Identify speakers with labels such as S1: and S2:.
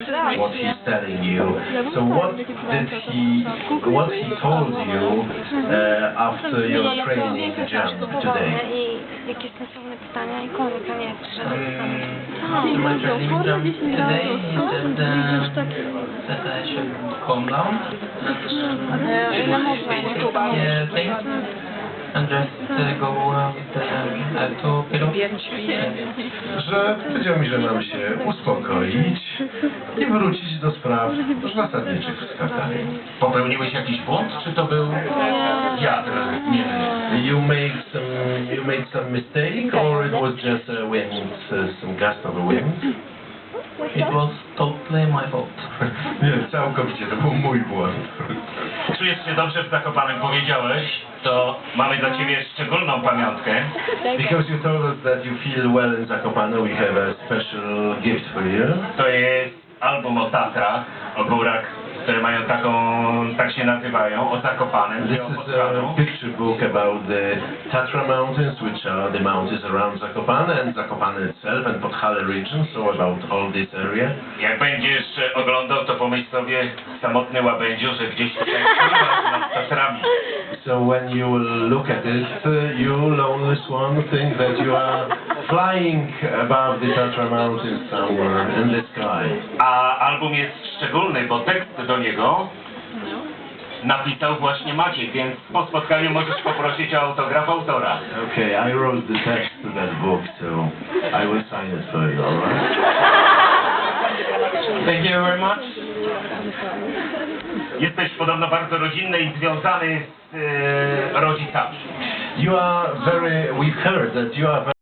S1: what he's telling you. So what he told you after your training jump today?
S2: I jakieś sensowne pytania i koniec, a nie
S3: After my training jump today, he said that I should calm down and things and just go to pillow.
S1: Że powiedział mi, że mam się uspokoić i wrócić do spraw zasadniczych w skakaniu.
S4: Popełniłeś jakiś błąd, czy to był wiatr? Nie.
S1: You made some mistake, or it was just a wind, some gust of a wind?
S3: It was totally my fault.
S1: Nie, całkowicie, to był mój błąd.
S4: Czujesz się dobrze w Zakopanem, powiedziałeś, to mamy dla Ciebie szczególną pamiątkę.
S1: Because you told us that you feel well in Zakopane, we have a special gift for you.
S4: To jest album o Tatrach, o górach, które mają tak się nazywają, o Zakopanem,
S1: This
S4: o
S1: is
S4: Podkanu.
S1: a picture book about the Tatra Mountains, which are the mountains around Zakopane and Zakopane itself and Podhale region, so about all this area.
S4: Jak będziesz oglądał, to pomyśl sobie, samotny łabędziu, że gdzieś tutaj nad Tatrami.
S1: So when you look at it, you lonely swan think that you are flying above the Tatra Mountains somewhere in the sky.
S4: A album jest szczególny, bo tekst do niego napisał właśnie Maciek, więc po spotkaniu możesz poprosić o autograf autora.
S1: Okay, I wrote the text to that book, so I will sign it for you, alright?
S3: Thank you very much.
S4: Jesteś podobno bardzo rodzinny i związany z rodzicami.
S1: You are very, we've heard that you are very